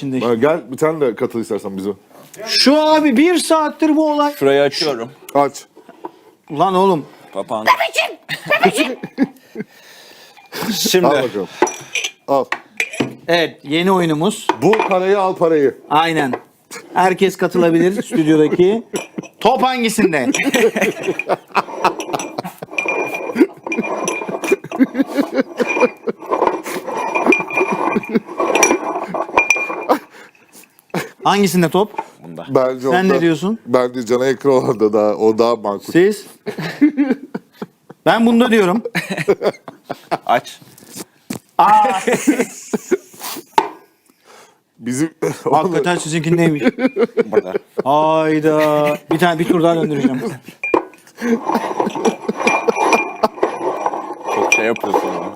içinde. Ha, gel bir tane de katıl istersen bize. Şu abi 1 saattir bu olay. Şurayı açıyorum. Aç. Ulan oğlum. Papağan. Şimdi Al bakalım. Al. Evet, yeni oyunumuz. Bu parayı al parayı. Aynen. Herkes katılabilir stüdyodaki. Top hangisinde? Hangisinde top? bunda. Bence Sen onda, ne diyorsun? Bence cana yakın olan da daha, o daha makul. Siz? Ben bunda diyorum. Aç. Bizim Hakikaten sizinkindeymiş. Burada. Hayda. Bir tur daha döndüreceğim. Çok şey yapıyorsun ama.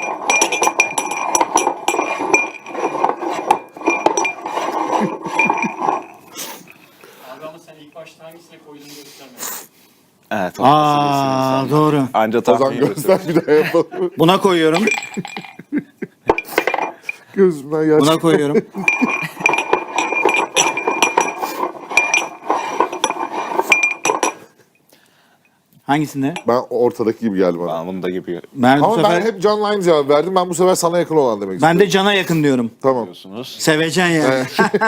Abi ama sen ilk başta hangisine koyduğunu göstermedin. Evet. Aa, doğru. Anca o zaman tahmin ediyorsun. göster bir daha yapalım. Buna koyuyorum. Gözümden yaş. Buna koyuyorum. Hangisinde? Ben ortadaki gibi geldi bana. Ben bunda gibi Ben bu Ama sefer ben hep Can'la aynı cevap verdim. Ben bu sefer sana yakın olan demek istiyorum. ben de cana yakın diyorum. Tamam. diyorsunuz. Sevecen yani.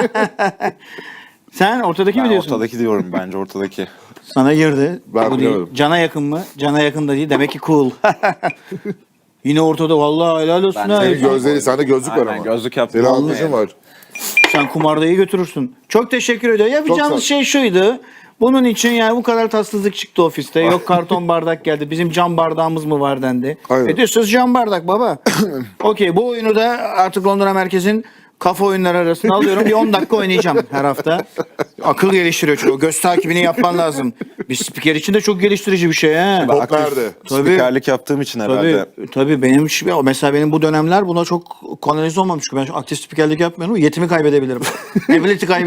Sen ortadaki mi Ben diyorsun? ortadaki diyorum bence ortadaki. Sana girdi. Ben Bu değil. bilemedim. Cana yakın mı? Cana yakın da değil. Demek ki cool. Yine ortada. Vallahi helal olsun Ben ha. Senin gözleri, sende gözlük var Aynen, ama. gözlük yaptım. Senin Vallahi. almışın var. Sen kumardayı götürürsün. Çok teşekkür ediyorum. Yapacağımız sağ şey şuydu. Bunun için yani bu kadar tatsızlık çıktı ofiste. Yok karton bardak geldi. Bizim cam bardağımız mı var dendi. Aynen. Diyorsunuz cam bardak baba. Okey, bu oyunu da artık Londra Merkez'in kafa oyunları arasına alıyorum. Bir 10 dakika oynayacağım her hafta. Akıl geliştiriyor çünkü. Göz takibini yapman lazım. Bir spiker için de çok geliştirici bir şey. He. Top nerede? Tabii. Spikerlik yaptığım için herhalde. Tabii benim mesela benim bu dönemler buna çok kanalize olmamış. Ben şu aktif spikerlik yapmıyorum. Yetimi kaybedebilirim. Ability